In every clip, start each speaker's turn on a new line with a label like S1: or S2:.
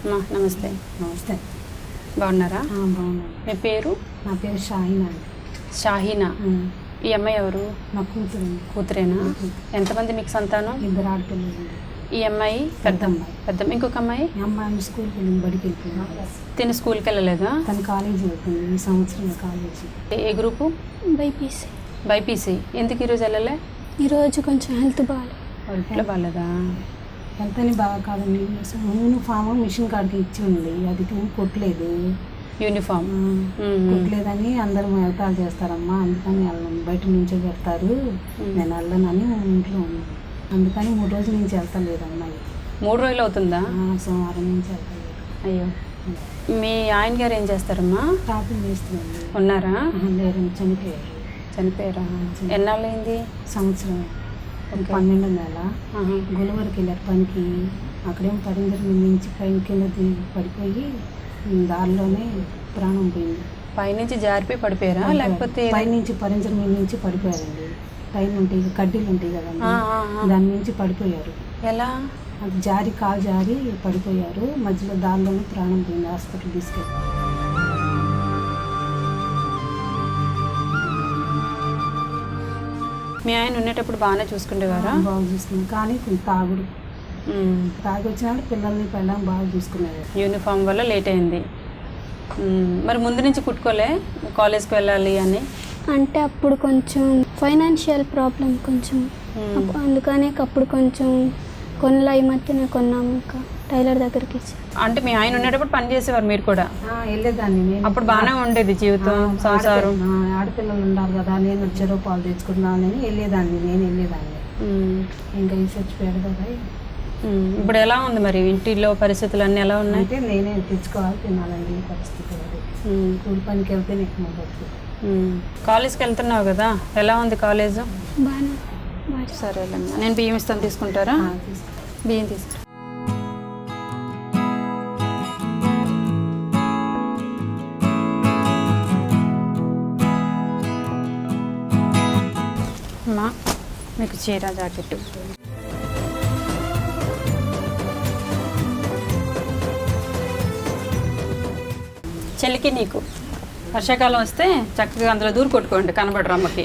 S1: అమ్మా నమస్తే.
S2: నమస్తే.
S1: బాగున్నారా?
S2: బాగున్నాను.
S1: మీ పేరు?
S2: నా పేరు షాహీనా.
S1: షాహీనా. ఈ అమ్మాయి ఎవరు?
S2: నా కూతురు.
S1: కూతురేనా? ఎంతమంది మీకు సంతానం?
S2: 2 ఆడపిల్లలు.
S1: ఈ అమ్మాయి
S2: పెద్ద అమ్మాయి.
S1: పెద్ద ఇంకొక అమ్మాయి?
S2: ఈ అమ్మాయి స్కూల్కి వెళ్ళింది, బడికి వెళ్ళిపోయింది.
S1: తిని స్కూల్కి వెళ్ళలేదా?
S2: తన కాలేజీ వెళ్తుంది, ఈ సంవత్సరం కాలేజీ.
S1: ఏ గ్రూపు?
S3: బైపీసీ.
S1: బైపీసీ. ఎందుకు ఈరోజు వెళ్ళలే?
S3: ఈరోజు కొంచెం హెల్త్ బాగాలేదు.
S1: ఇంట్లో బాగాలేదా?
S2: ఎంతని బాగా కాదండి. యూనిఫామ్ మిషన్ కాడికి ఇచ్చి ఉంది, అది కొట్టలేదు.
S1: యూనిఫామ్
S2: కొట్టలేదని అందరూ ఎగతాలు చేస్తారమ్మా, అందుకని వెళ్ళను, బయట నుంచే పెడతారు, నేను వెళ్ళనని ఇంట్లో ఉన్నాను. అందుకని 3 రోజుల నుంచి వెళ్తలేదు అమ్మాయి.
S1: 3 రోజులు అవుతుందా?
S2: సోమవారం నుంచి వెళ్తలేదు.
S1: అయ్యో. మీ ఆయన గారు ఏం చేస్తారమ్మా?
S2: షాపింగ్ చేస్తుంది.
S1: ఉన్నారా?
S2: లేరు, చనిపోయారు.
S1: చనిపోయారా? ఎన్నాళ్ళైంది?
S2: సంవత్సరం. 12వ నెల. గులవరికి వెళ్ళారు పనికి. అక్కడేమో పరిందరి నుంచి పైన కింద పడిపోయి దారిలోనే ప్రాణం పోయింది.
S1: పైనుంచి జారిపోయి పడిపోయారా లేకపోతే?
S2: పైనుంచి పరింజర్ మీద నుంచి పడిపోయారండి. పైన ఉంటాయి కడ్డీలు ఉంటాయి కదండి, దాని నుంచి పడిపోయారు.
S1: ఎలా?
S2: అది జారి కాలు జారి పడిపోయారు. మధ్యలో దారిలోనే ప్రాణం పోయింది. హాస్పిటల్ తీసుకెళ్ళి.
S1: మీ ఆయన ఉండేటప్పుడు బాగానే చూసుకునేవారా?
S2: బాగా చూసుకున్నాం, కానీ తాగుడు. తాగి వచ్చినాడు పిల్లల్ని పెళ్ళాం బాగా చూసుకునేవారు.
S1: యూనిఫామ్ వల్ల లేట్ అయింది. మరి ముందు నుంచి కుట్టుకోలే కాలేజ్కి వెళ్ళాలి అని?
S3: అంటే అప్పుడు కొంచెం ఫైనాన్షియల్ ప్రాబ్లం కొంచెం, అందుకనే అప్పుడు కొంచెం కొనలా. ఈ మధ్యన కొన్నాము, ఇంకా టైలర్ దగ్గరికి ఇచ్చి.
S1: అంటే మీ ఆయన ఉండేటప్పుడు పని చేసేవారు మీరు కూడా?
S2: వెళ్ళేదాన్ని.
S1: అప్పుడు బాగానే ఉండేది జీవితం, సంసారం.
S2: ఆడపిల్లలు ఉండాలి కదా, నేను చెరువు పాలు తెచ్చుకున్నానని వెళ్ళేదాన్ని. నేను వెళ్ళేదాన్ని. ఇంకా ఈ చచ్చిపోయాడు కదా.
S1: ఇప్పుడు ఎలా ఉంది మరి ఇంటిలో పరిస్థితులు అన్నీ ఎలా ఉన్నాయి?
S2: అంటే నేనే తెచ్చుకోవాలి, తినాలండి ఈ పరిస్థితి. కూలి పనికి వెళ్తే నేను బతుకు.
S1: కాలేజ్కి వెళ్తున్నావు కదా, ఎలా ఉంది కాలేజ్?
S3: బాగా.
S1: సరేలేమ్మా, నేను బియ్యం ఇస్తాను, తీసుకుంటారా? బియ్యం తీసుకుంటా. అమ్మా మీకు చీర జాకెట్టు. చెల్లికి నీకు వర్షాకాలం వస్తే చక్కగా అందులో దూరు కొట్టుకోండి, కనబడరు అమ్మకి.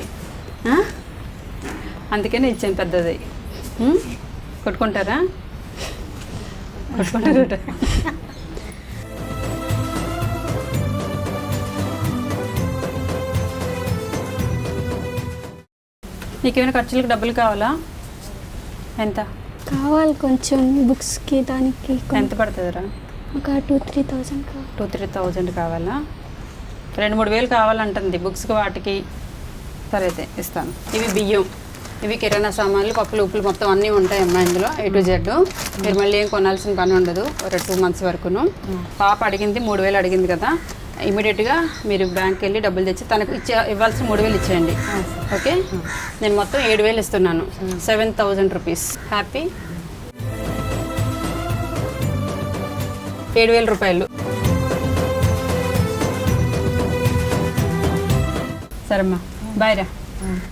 S1: అందుకనే ఇచ్చాను పెద్దది. కొట్టుకుంటారా? కొట్టుకుంటారు. నీకేమైనా ఖర్చులకు డబ్బులు కావాలా? ఎంత
S3: కావాలి? కొంచెం బుక్స్కి దానికి.
S1: ఎంత పడుతుందిరా?
S3: ఒక 2-3,000 కావాలి.
S1: 2-3,000 కావాలా? 2-3 వేలు కావాలంటుంది బుక్స్కి వాటికి. సరే అయితే ఇస్తాను. ఇవి బియ్యం, ఇవి కిరాణా సామాన్లు, పప్పులు ఉప్పులు మొత్తం అన్నీ ఉంటాయమ్మా ఇందులో, A to Z. మీరు మళ్ళీ ఏం కొనాల్సిన పని ఉండదు ఒక 2 months వరకును. పాప అడిగింది 3,000 అడిగింది కదా, ఇమీడియట్గా మీరు బ్యాంక్కి వెళ్ళి డబ్బులు తెచ్చి తనకు ఇవ్వాల్సిన 3,000 ఇచ్చేయండి. ఓకే, నేను మొత్తం 7,000 ఇస్తున్నాను. 7,000 రూపీస్. హ్యాపీ? 7,000 రూపాయలు. సరేమ్మా, బాయ్ రా.